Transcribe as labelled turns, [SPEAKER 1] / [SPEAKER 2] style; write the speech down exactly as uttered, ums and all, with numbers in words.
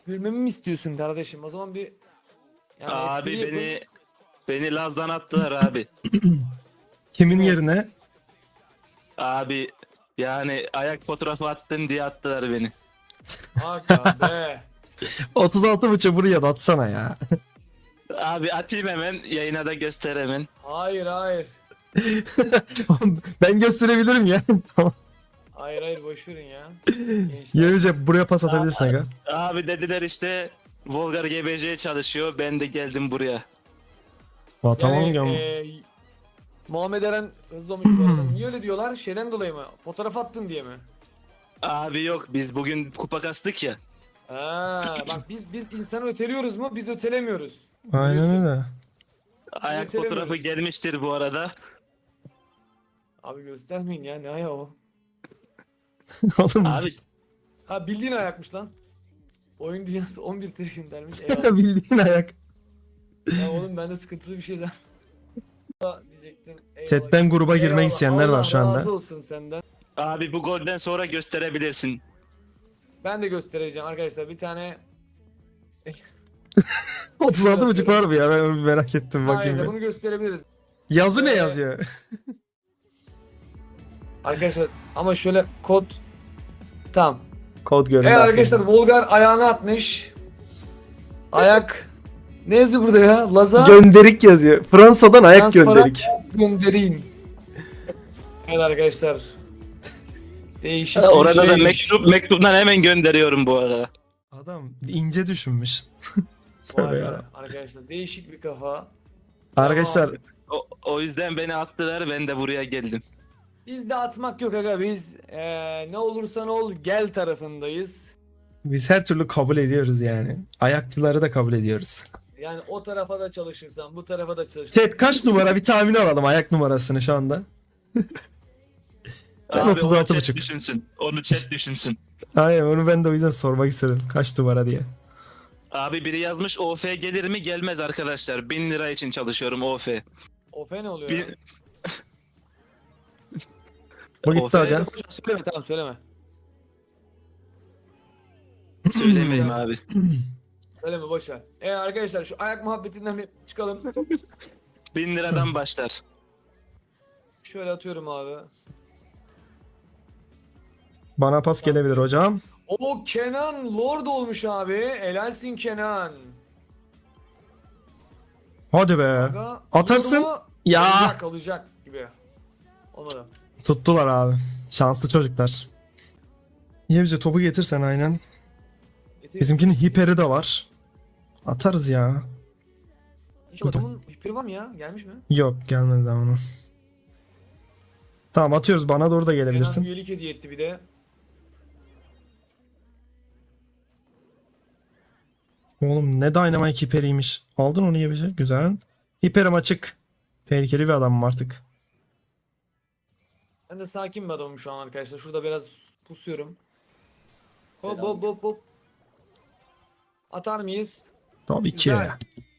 [SPEAKER 1] Gülmemi mi istiyorsun kardeşim? O zaman bir yani
[SPEAKER 2] Abi
[SPEAKER 1] espri yapın.
[SPEAKER 2] beni beni Laz'dan attılar abi.
[SPEAKER 3] Kimin
[SPEAKER 1] Kimi?
[SPEAKER 3] yerine?
[SPEAKER 2] Abi yani ayak fotoğrafı attın diye attılar beni.
[SPEAKER 1] Aga be.
[SPEAKER 3] otuz altı buçuk buraya da atsana ya.
[SPEAKER 2] Abi atayım hemen yayına da göster hemen.
[SPEAKER 1] Hayır hayır.
[SPEAKER 3] Ben gösterebilirim ya. Tamam.
[SPEAKER 1] Hayır hayır boş verin ya. Gençler.
[SPEAKER 3] Yavuzca buraya pas atabilirsin aga.
[SPEAKER 2] Abi dediler işte Volgar G B C çalışıyor, ben de geldim buraya.
[SPEAKER 3] Aa, tamam
[SPEAKER 1] Yani,
[SPEAKER 3] ya.
[SPEAKER 1] e, Muhammed Eren hızlı olmuş bu arada. Niye öyle diyorlar? Şeyden dolayı mı? Fotoğraf attın diye mi?
[SPEAKER 2] Abi yok, biz bugün kupa kastık ya.
[SPEAKER 1] Ha, bak biz biz insanı öteliyoruz mu? Biz ötelemiyoruz.
[SPEAKER 3] Aynen
[SPEAKER 1] Biliyorsun.
[SPEAKER 3] öyle.
[SPEAKER 2] Ayak
[SPEAKER 1] Ötelemiyoruz.
[SPEAKER 2] fotoğrafı gelmiştir bu arada.
[SPEAKER 1] Abi göstermeyin ya ne ayağı o?
[SPEAKER 3] Oğlum
[SPEAKER 2] Abi
[SPEAKER 1] Ha bildiğin ayakmış lan. Oyun dünyası on bir trilyon dermiş. Eyvallah.
[SPEAKER 3] bildiğin ayak.
[SPEAKER 1] Ya oğlum bende sıkıntılı bir şey zaten. Diyecektim. Eyvallah.
[SPEAKER 3] Chatten gruba girmek
[SPEAKER 1] Eyvallah.
[SPEAKER 3] isteyenler
[SPEAKER 1] Allah
[SPEAKER 3] var şu anda.
[SPEAKER 1] razı olsun senden.
[SPEAKER 2] abi bu golden sonra gösterebilirsin.
[SPEAKER 1] Ben de göstereceğim arkadaşlar bir tane.
[SPEAKER 3] otuz altı buçuk var mı ya? Ben onu bir merak ettim bakayım.
[SPEAKER 1] Hayır
[SPEAKER 3] bir.
[SPEAKER 1] bunu gösterebiliriz.
[SPEAKER 3] Yazı ne
[SPEAKER 1] Ee,
[SPEAKER 3] yazıyor?
[SPEAKER 1] Arkadaşlar ama şöyle kod. Tamam.
[SPEAKER 3] Kod görüntü.
[SPEAKER 1] Evet
[SPEAKER 3] atayım.
[SPEAKER 1] arkadaşlar Volgar ayağını atmış. Ayak. Ne yazıyor burada ya? Laza.
[SPEAKER 3] Gönderik yazıyor. Fransa'dan ayak
[SPEAKER 1] Transparan
[SPEAKER 3] gönderik.
[SPEAKER 1] Göndereyim. Evet arkadaşlar. Değişik
[SPEAKER 2] Ha,
[SPEAKER 1] bir
[SPEAKER 2] orada da
[SPEAKER 1] şeymiş.
[SPEAKER 2] mektup mektuptan hemen gönderiyorum bu arada.
[SPEAKER 3] Adam ince düşünmüş.
[SPEAKER 1] Vay
[SPEAKER 3] Tövbe
[SPEAKER 1] be,
[SPEAKER 3] yarabbim.
[SPEAKER 1] arkadaşlar değişik bir kafa.
[SPEAKER 3] Arkadaşlar
[SPEAKER 1] Tamam.
[SPEAKER 2] O, o yüzden beni attılar, ben de buraya geldim.
[SPEAKER 1] Bizde atmak yok aga biz eee, ne olursa ne ol gel tarafındayız.
[SPEAKER 3] biz her türlü kabul ediyoruz yani. Ayakçıları da kabul ediyoruz.
[SPEAKER 1] Yani o tarafa da çalışırsan bu tarafa da çalışırsan.
[SPEAKER 3] Chat kaç numara bir tahmin alalım ayak numarasını şu anda. Ben
[SPEAKER 2] Abi
[SPEAKER 3] otuz
[SPEAKER 2] onu
[SPEAKER 3] altı
[SPEAKER 2] chat
[SPEAKER 3] buçuk.
[SPEAKER 2] düşünsün. Onu chat düşünsün.
[SPEAKER 3] Aynen onu ben de o yüzden sormak istedim. Kaç numara diye.
[SPEAKER 2] Abi biri yazmış O F gelir mi? Gelmez arkadaşlar. Bin lira için çalışıyorum O F.
[SPEAKER 1] Ofe ne oluyor ya?
[SPEAKER 2] Bin...
[SPEAKER 3] Bu
[SPEAKER 2] O
[SPEAKER 3] gitti
[SPEAKER 2] F
[SPEAKER 3] aga.
[SPEAKER 1] Söyleme tamam söyleme.
[SPEAKER 2] Söylemeyeyim abi.
[SPEAKER 1] Söyleme boş ver. E arkadaşlar şu ayak muhabbetinden bir çıkalım.
[SPEAKER 2] Bin liradan başlar.
[SPEAKER 1] Şöyle atıyorum abi.
[SPEAKER 3] Bana pas gelebilir hocam.
[SPEAKER 1] O Kenan Lord olmuş abi. Helalsin Kenan.
[SPEAKER 3] Hadi be.
[SPEAKER 1] Aga,
[SPEAKER 3] Atarsın.
[SPEAKER 1] oldu mu?
[SPEAKER 3] Ya.
[SPEAKER 1] Olacak olacak gibi. Olmadı.
[SPEAKER 3] Tuttular abi. Şanslı çocuklar. Niye bize topu getirsen aynen.
[SPEAKER 1] Getir.
[SPEAKER 3] Bizimkinin hiperi de var. Atarız ya.
[SPEAKER 1] İnşallah adamın hiperi var mı ya? Gelmiş mi?
[SPEAKER 3] Yok gelmedi daha onu. Tamam atıyoruz bana doğru da
[SPEAKER 1] Kenan
[SPEAKER 3] gelebilirsin.
[SPEAKER 1] üyelik hediye etti bir de.
[SPEAKER 3] Oğlum ne Dynamite hiperiymiş. Aldın onu yiyecek. Güzel. Hiperim açık. Tehlikeli bir adamım artık.
[SPEAKER 1] Ben de sakin bir adamım şu an arkadaşlar. Şurada biraz pusuyorum. Hop hop hop hop. Atar mıyız?
[SPEAKER 3] Tabii ki.
[SPEAKER 1] Güzel.